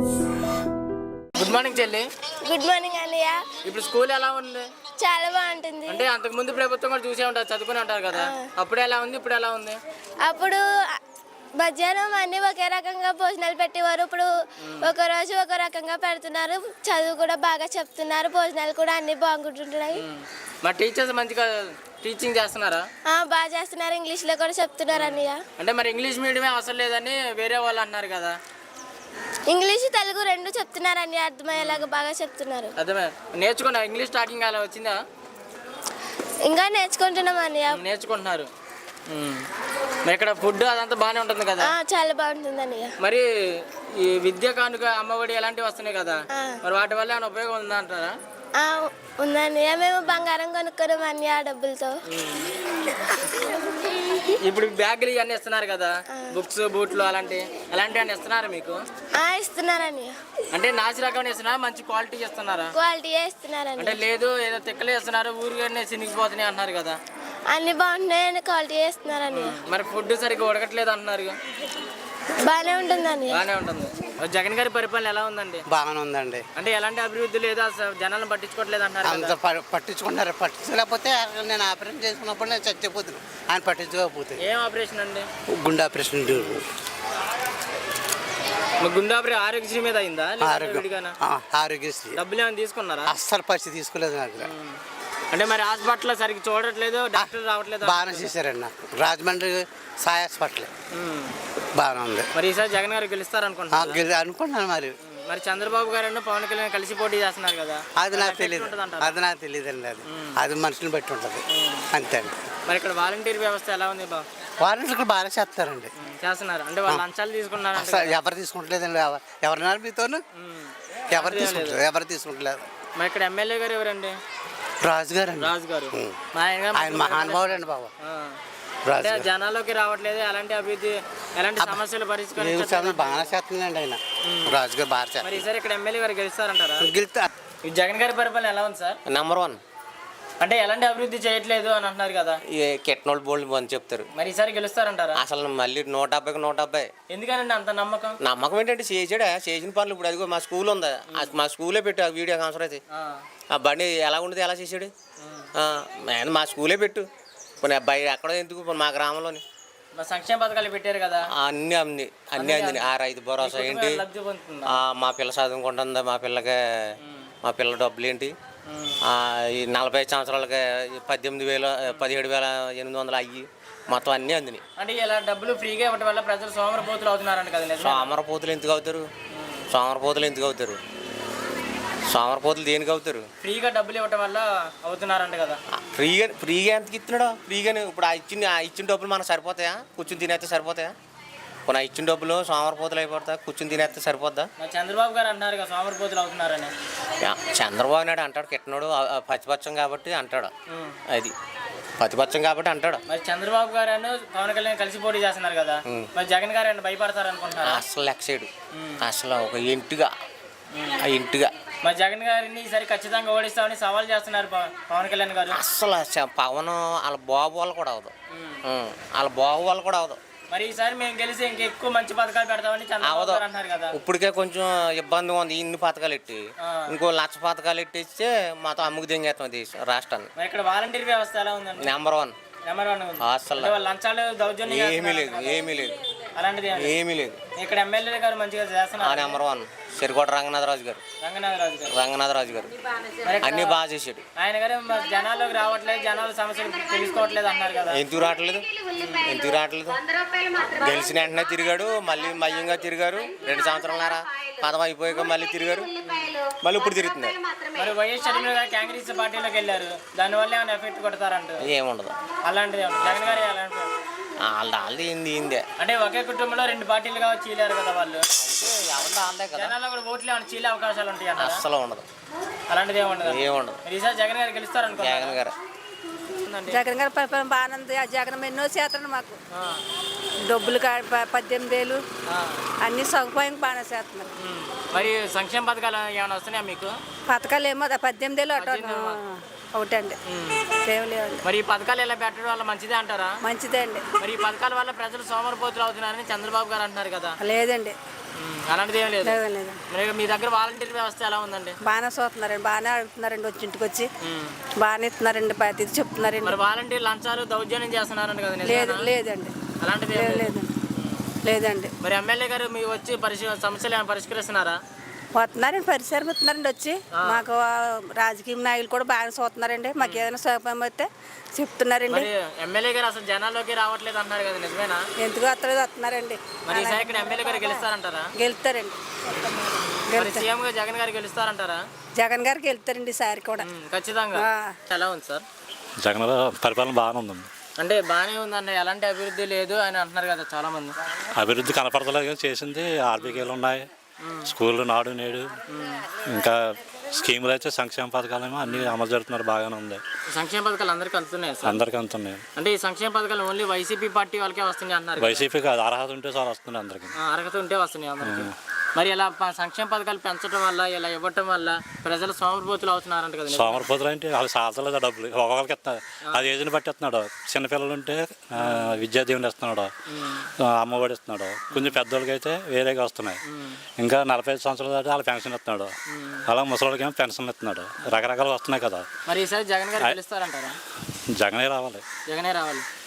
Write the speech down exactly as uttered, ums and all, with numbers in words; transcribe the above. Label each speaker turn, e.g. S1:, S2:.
S1: Good morning చెల్లి.
S2: Good morning అన్నయ్య.
S1: ఇప్పుడు స్కూల్ ఎలా ఉంది?
S2: చాలా బాగుంటుంది.
S1: అంటే అంతకు ముందు ప్రభుత్వం కూడా చూసే ఉంటారు, చదువుకుని ఉంటారు కదా, అప్పుడు ఎలా ఉంది ఇప్పుడు ఎలా ఉంది?
S2: అప్పుడు మధ్యాహ్నం అన్ని ఒకే రకంగా భోజనాలు పెట్టేవారు. ఇప్పుడు ఒక రోజు ఒక రకంగా పెడుతున్నారు. చదువు కూడా బాగా చెప్తున్నారు. భోజనాలు కూడా అన్ని బాగుంటుంటున్నాయి.
S1: మా టీచర్స్ మంచిగా టీచింగ్ చేస్తున్నారా?
S2: బాగా చేస్తున్నారు. ఇంగ్లీష్ లో కూడా చెప్తున్నారు అన్నయ్య.
S1: అంటే మరి ఇంగ్లీష్ మీడియమే అవసరం లేదని వేరే వాళ్ళు అన్నారు కదా.
S2: ఇంగ్లీష్ తెలుగు రెండు చెప్తున్నారు అన్ని, అర్థమయ్యేలాగా బాగా చెప్తున్నారు.
S1: అర్థమే నేర్చుకున్నా. ఇంగ్లీష్ స్టార్టింగ్ అలా వచ్చిందా?
S2: ఇంకా నేర్చుకుంటున్నాం అన్నయ్య.
S1: నేర్చుకుంటున్నారు. మరి ఇక్కడ ఫుడ్ అదంతా బాగానే ఉంటుంది కదా?
S2: చాలా బాగుంటుంది అన్నయ్య.
S1: మరి ఈ విద్య కానుక అమ్మఒడి అలాంటివి వస్తున్నాయి కదా, మరి వాటి వల్ల ఏమైనా ఉపయోగం ఉందా అంటారా?
S2: ఉందన్నయ్య. మేము బంగారం కొనుక్కున్నాం అన్ని ఆ డబ్బులతో.
S1: ఇప్పుడు బ్యాగులు ఇవన్నీ ఇస్తున్నారు కదా, బుక్స్ బూట్లు అలాంటివి అలాంటివి ఇస్తున్నారు మీకు?
S2: ఇస్తున్నారని.
S1: అంటే నాసి రకం ఇస్తున్నారా, మంచి క్వాలిటీ ఇస్తున్నారా?
S2: క్వాలిటీ ఇస్తున్నారని.
S1: అంటే లేదు ఏదో తిక్కలే ఇస్తున్నారు, ఊరిగానే చినిగిపోతున్నాయి అంటున్నారు కదా.
S2: అన్ని బాగుంటున్నాయని క్వాలిటీ ఇస్తున్నారని.
S1: మరి ఫుడ్ సరిగ్గా ఉడకట్లేదు అంటున్నారు.
S2: బాగానే ఉంటుందండి.
S1: బాగానే ఉంటుంది. జగన్ గారి పరిపాలన ఎలా ఉందండి?
S3: బాగానే ఉందండి.
S1: అంటే ఎలాంటి అభివృద్ధి లేదా, జనాలను పట్టించుకోవట్లేదు అంటారు.
S3: అంత పట్టించుకుంటారు. పట్టించలేకపోతే నేను ఆపరేషన్ చేసుకున్నప్పుడు నేను చచ్చిపోతున్నాను. ఆయన పట్టించుకోకపోతే.
S1: ఏం ఆపరేషన్ అండి?
S3: గుండె ఆపరేషన్.
S1: గుండె ఆపరేషన్ ఆరోగ్యశ్రీ మీద అయిందా?
S3: ఆరోగ్యశ్రీ.
S1: డబ్బులు ఏమైనా తీసుకున్నారా?
S3: అస్సలు పరిస్థితి తీసుకోలేదు నాకు.
S1: అంటే మరి హాస్పిటల్ సరిగ్గా చూడట్లేదు, డాక్టర్ రావట్లేదు.
S3: బాగానే చేశారండి నాకు. రాజమండ్రి సాయి హాస్పిటల్ బాగానే ఉంది.
S1: మరి ఈసారి జగన్ గారు గెలుస్తారు అనుకుంటున్నాను
S3: అనుకుంటున్నాను మరి.
S1: మరి చంద్రబాబు గారు పవన్ కళ్యాణ్ కలిసి పోటీ చేస్తున్నారు కదా,
S3: అది నాకు తెలియదు. అది నాకు తెలియదు అండి. అది అది మనుషుని బట్టి ఉంటుంది అంతే అండి.
S1: మరి ఇక్కడ వాలంటీర్ వ్యవస్థ ఎలా ఉంది బాబు?
S3: వాలంటీర్లు బాగా చేస్తారండి.
S1: చేస్తున్నారు. అంటే వాళ్ళు లంచాలు తీసుకున్నారు.
S3: ఎవరు తీసుకుంటలేదండి. ఎవరినారు మీతోను? ఎవరు తీసుకుంటారు? ఎవరు తీసుకుంటలేదు.
S1: మరి ఇక్కడ ఎమ్మెల్యే గారు ఎవరండి?
S3: రాజు గారు.
S1: రాజు గారు
S3: ఆయన మహానుభావుడు అండి బాబు.
S1: జనాల్లోకి రావట్లేదు. ఎలాంటి అభివృద్ధి, ఎలాంటి సమస్యలు పరిష్కరించారు?
S3: బాగా చేస్తుందండి ఆయన. రాజు గారు బాగా చేస్తారు.
S1: మరి ఈసారి ఇక్కడ ఎమ్మెల్యే గారు గెలుస్తారంటారా?
S3: గెలుస్తా.
S1: జగన్ గారి పరిపాలన ఎలా ఉంది సార్?
S4: Number one.
S1: అంటే ఎలాంటి అభివృద్ధి చేయట్లేదు అని అంటున్నారు కదా.
S4: కెట్నోళ్ళు బోల్డ్ అని చెప్తారు.
S1: మరి ఈసారి గెలుస్తారంటారా?
S4: అసలు మళ్ళీ నూట డెబ్బైకి నూట డెబ్బై.
S1: ఎందుకనండి అంత నమ్మకం?
S4: నమ్మకం ఏంటంటే చేసాడా చేసిన పనులు. ఇప్పుడు అదిగో మా స్కూల్ ఉందా, మా స్కూలే పెట్టు. ఆ వీడియో కాన్సర్ అయితే ఆ బండి ఎలా ఉండేది, ఎలా చేసాడు. మా స్కూలే పెట్టు. పోనీ అబ్బాయి ఎక్కడ ఎందుకు, మా గ్రామంలోని
S1: సంక్షేమ పథకాలు పెట్టారు కదా,
S4: అన్ని అన్ని అన్ని అందిని. ఆ రైతు భరోసా ఏంటి, మా పిల్ల చదువుకుంటుందా, మా పిల్లకి మా పిల్ల డబ్బులు ఏంటి, ఈ నలభై సంవత్సరాలకి పద్దెనిమిది వేల పదిహేడు వేల ఎనిమిది వందలు అయ్యి మొత్తం అన్నీ అందినాయి.
S1: అంటే ఇలా డబ్బులు ఫ్రీగా ఇవ్వడం వల్ల ప్రజలు సోమరపోతులు అవుతున్నారంట కదా.
S4: సోమరపోతులు ఎందుకు అవుతారు? సోమరపోతులు ఎందుకు అవుతారు? సోమరపోతులు దేనికి అవుతారు?
S1: ఫ్రీగా డబ్బులు ఇవ్వడం వల్ల అవుతున్నారంట కదా.
S4: ఫ్రీగా ఫ్రీగా ఎంతకి ఇస్తున్నాడు? ఫ్రీగానే. ఇప్పుడు ఆ ఇచ్చిన ఆ ఇచ్చిన డబ్బులు మనకు సరిపోతాయా? కూర్చుని తినేస్తే సరిపోతాయా? కొన్ని ఇచ్చిన డబ్బులు సోమరపోతులు అయిపోతా, కూర్చుని తినేస్తే సరిపోద్దా?
S1: చంద్రబాబు గారు అంటున్నారు కదా సోమరపోతులు అవుతున్నారని.
S4: చంద్రబాబు నాయుడు అంటాడు, కిట్టనోడు పచ్చిపచ్చం కాబట్టి అంటాడు. అది పచ్చిపచ్చం కాబట్టి అంటాడు.
S1: మరి చంద్రబాబు గారు పవన్ కళ్యాణ్ కలిసి పోటీ చేస్తున్నారు కదా, మరి జగన్ గారు భయపడతారు అనుకుంటున్నారు?
S4: అసలు లెక్సైడు. అసలు ఒక ఇంటిగా ఆ ఇంటిగా
S1: మరి జగన్ గారిని ఈసారి ఖచ్చితంగా ఓడిస్తామని సవాల్ చేస్తున్నారు పవన్ కళ్యాణ్ గారు.
S4: అసలు పవన్ వాళ్ళ బాబు వాళ్ళు కూడా అవదు. వాళ్ళ బాబు వాళ్ళు కూడా అవదు.
S1: మరి ఈసారి మేము గెలిచి ఇంకా ఎక్కువ మంచి పథకాలు పెడతామని చంద్రబాబు గారు అంటున్నారు కదా.
S4: ఇప్పటికే కొంచెం ఇబ్బందిగా ఉంది. ఇన్ని పథకాలు ఎట్టి ఇంకో లక్ష పథకాలు ఎట్టిస్తే మాతో అమ్ముకు దింగేస్తాం దేశం రాష్ట్రాన్ని.
S1: మరి ఇక్కడ వాలంటీర్ వ్యవస్థ ఎలా ఉందండి?
S4: Number one.
S1: Number one.
S4: అసలు
S1: లంచాలు దౌర్జన్యం
S4: ఏమీ లేదు, ఏమీ లేదు,
S1: అలాంటిది
S4: ఏమీ లేదు.
S1: ఇక్కడ ఎమ్మెల్యే గారు మంచిగా చేస్తున్నారు.
S4: నెంబర్ వన్ సిరికోట రంగనాథరాజు గారు.
S1: రంగనాథరాజు గారు
S4: రంగనాథరాజు గారు అన్ని బాగా చేసాడు.
S1: ఆయన గారు జనాల్లోకి రావట్లేదు, జనాల సమస్యలు తెలుసుకోవట్లేదు అన్నారు కదా.
S4: ఎందుకు రావట్లేదు? ఎందుకు రావట్లేదు? గెలిచిన వెంటనే తిరిగాడు, మళ్ళీ మయ్యంగా తిరిగారు. రెండు సంవత్సరాలన్నారా పదం అయిపోయాక మళ్ళీ తిరిగారు, మళ్ళీ ఇప్పుడు తిరుగుతున్నారు.
S1: మరి వైఎస్ షర్మిల గారు కాంగ్రెస్ పార్టీలోకి వెళ్ళారు, దానివల్ల ఏమైనా ఎఫెక్ట్ కొడతారంట?
S4: ఏముండదు
S1: అలాంటిది. జగన్ గారు
S4: వాళ్ళ వాళ్ళది ఏంది ఏందే
S1: అంటే ఒకే కుటుంబంలో రెండు పార్టీలుగా చీలారు కదా వాళ్ళు. జనాల్లో కూడా ఓట్లు ఏమైనా చీలే అవకాశాలు ఉంటాయి?
S4: అస్సలు ఉండదు.
S1: అలాంటిది ఏముండదు.
S4: ఏముండదు.
S1: ఈసారి జగన్ గారు గెలుస్తారు అనుకో.
S4: జగన్ గారు
S5: జగన్ గారి పరిపాలన బాగానే ఉంది. ఆ జగన్ ఎన్నో చేస్తాడు మాకు. డబ్బులు పద్దెనిమిది వేలు అన్ని సదుపాయం బాగానే చేస్తున్నారు.
S1: మరి సంక్షేమ పథకాలు ఏమైనా వస్తున్నాయా మీకు?
S5: పథకాలు ఏమో పద్దెనిమిది వేలు అటు ఒకటి అండి, లేవులేవండి.
S1: మరి ఈ పథకాలు ఎలా పెట్టడం వల్ల మంచిదే అంటారా?
S5: మంచిదే అండి.
S1: మరి ఈ పథకాల వల్ల ప్రజలు సోమరిపోతులు అవుతున్నారని చంద్రబాబు గారు అంటున్నారు కదా.
S5: లేదండి,
S1: ఉమ్, అలాంటిది ఏం లేదు
S5: లేదు లేదు
S1: మరి మీ దగ్గర వాలంటీర్ వ్యవస్థ ఎలా ఉందండి?
S5: బాగానే చూస్తున్నారండి, బాగానే అడుగుతున్నారండి, వచ్చి ఇంటికి వచ్చి
S1: ఉమ్.
S5: బాగానే ఇస్తున్నారండి, ప్రతి చెప్తున్నారండి.
S1: మరి వాలంటీర్ లంచాలు దౌర్జన్యం చేస్తున్నారంట కదా,
S5: లేదు
S1: నిజమేనా?
S5: లేదండి
S1: అలాంటిది ఏం
S5: లేదు
S1: లేదు.
S5: లేదండి లేదండి
S1: మరి ఎమ్మెల్యే గారు మీ వచ్చి పరిశీ సమస్యలు ఏమైనా పరిష్కరిస్తున్నారా?
S5: వస్తున్నారండి, పరిసరం వస్తున్నారండి వచ్చి మాకు ఆ, రాజకీయ నాయకులు కూడా బాగా చూస్తున్నారండి, మాకు ఏదైనా సౌకర్యం అయితే చెప్తున్నారండి.
S1: మరి ఎమ్మెల్యే గారు అసలు జనాల్లోకి రావట్లేదు అంటున్నారు కదా, నిజమేనా?
S5: ఎందుకు వస్తలేదు వస్తున్నారండి,
S1: మరి ఈసారి ఇక్కడ ఎమ్మెల్యే గారు గెలుస్తారంటారా?
S5: గెలుస్తారండి
S1: మరి
S5: గెలుస్తారు
S1: సీఎం గా జగన్ గారు గెలుస్తారంటారా?
S5: జగన్ గారికి వెళ్తారండి ఈసారి కూడా.
S1: ఉమ్, ఖచ్చితంగా.
S5: ఆ.
S1: ఎలా ఉంది సార్?
S6: జగన్ పరిపాలన బాగానే ఉందండి.
S1: అంటే బాగానే ఉందండి, ఎలాంటి అభివృద్ధి లేదు అని అంటున్నారు కదా చాలా మంది.
S6: అభివృద్ధి కనపడతలేదు కానీ చేసింది ఆర్బీకేలు ఉన్నాయి, స్కూళ్ళు నాడు నేడు, ఇంకా స్కీములు అయితే సంక్షేమ పథకాలేమో అన్ని అమలు జరుగుతున్నారు, బాగానే ఉంది.
S1: సంక్షేమ పథకాలు అందరికీ అందుతున్నాయి సార్?
S6: అందరికీ అందుతున్నాయి.
S1: అంటే ఈ సంక్షేమ పథకాలు ఓన్లీ వైసీపీ పార్టీ వాళ్ళకే వస్తున్నాయి అంటున్నారు.
S6: వైసీపీకి అది అర్హత ఉంటే చాలా వస్తున్నాయి అందరికీ.
S1: ఆ, అర్హత ఉంటే వస్తున్నాయి అందరికీ. మరి ఇలా ప- సంక్షేమ పథకాలు పెంచడం వల్ల, ఇలా ఇవ్వటం వల్ల ప్రజలు సోమరిపోతులు అవుతున్నారంట కదా.
S6: సోమరిపోతులు అంటే వాళ్ళు సాధలేదు డబ్బులు ఒక్కొక్కరికి ఇస్తున్నారు, అది ఏజ్ని బట్టి ఇస్తున్నాడు. చిన్నపిల్లలు ఉంటే ఆ, విద్యా దీవెన ఇస్తున్నాడు, ఆ, అమ్మఒడి ఇస్తున్నాడు. కొంచెం పెద్దోళ్ళకి అయితే వేరేగా వస్తున్నాయి. ఇంకా నలభై ఐదు సంవత్సరాల దాటి వాళ్ళ పెన్షన్ ఇస్తున్నాడు, అలా ముసలికి ఏమో పెన్షన్ ఇస్తున్నాడు, రకరకాలు వస్తున్నాయి కదా.
S1: మరి ఈసారి జగన్ గారు గెలుస్తారంటారా?
S6: జగనే రావాలి.
S1: జగనే రావాలి.